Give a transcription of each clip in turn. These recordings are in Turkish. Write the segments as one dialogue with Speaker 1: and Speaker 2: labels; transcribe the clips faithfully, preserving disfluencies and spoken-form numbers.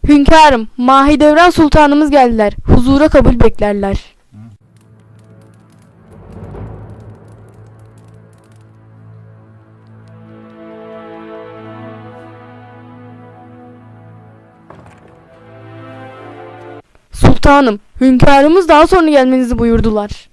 Speaker 1: Hünkârım, Mahidevran Sultanımız geldiler. Huzura kabul beklerler. Sultanım, hünkârımız daha sonra gelmenizi buyurdular.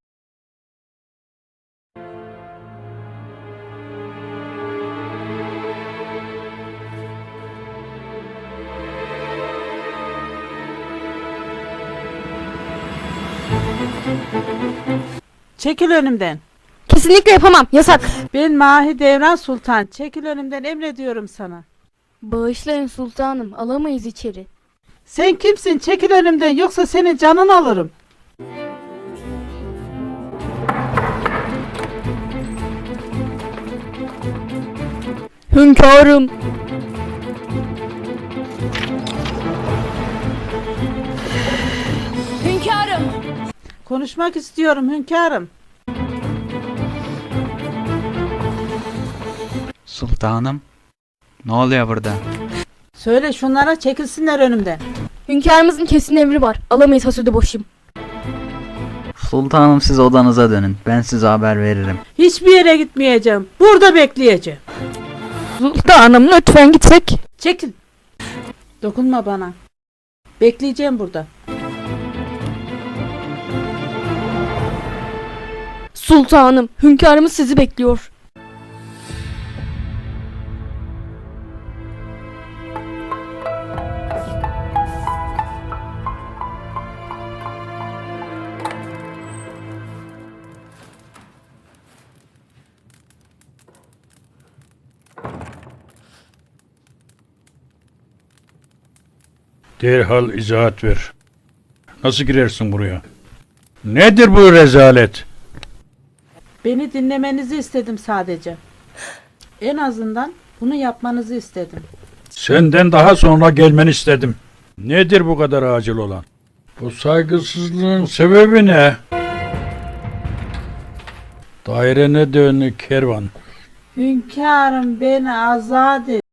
Speaker 2: Çekil önümden.
Speaker 1: Kesinlikle yapamam, yasak.
Speaker 2: Ben Mahidevran Sultan. Çekil önümden, emrediyorum sana.
Speaker 1: Bağışlayın sultanım, alamayız içeri.
Speaker 2: Sen kimsin? Çekil önümden, yoksa senin canını alırım.
Speaker 1: Hünkârım. Hünkârım.
Speaker 2: Konuşmak istiyorum hünkârım.
Speaker 3: Sultanım, ne oluyor burada?
Speaker 2: Söyle şunlara çekilsinler önümden.
Speaker 1: Hünkârımızın kesin emri var. Alamayız hasudi boşum.
Speaker 3: Sultanım, siz odanıza dönün. Ben size haber veririm.
Speaker 2: Hiçbir yere gitmeyeceğim. Burada bekleyeceğim.
Speaker 1: Sultanım lütfen gitsek.
Speaker 2: Çekil. Dokunma bana. Bekleyeceğim burada.
Speaker 1: Sultanım, hünkârımız sizi bekliyor.
Speaker 4: Derhal izahat ver. Nasıl girersin buraya? Nedir bu rezalet?
Speaker 2: Beni dinlemenizi istedim sadece. En azından bunu yapmanızı istedim.
Speaker 4: Senden daha sonra gelmeni istedim. Nedir bu kadar acil olan? Bu saygısızlığın sebebi ne? Dairene dön kervan.
Speaker 2: Hünkârım, beni azat et.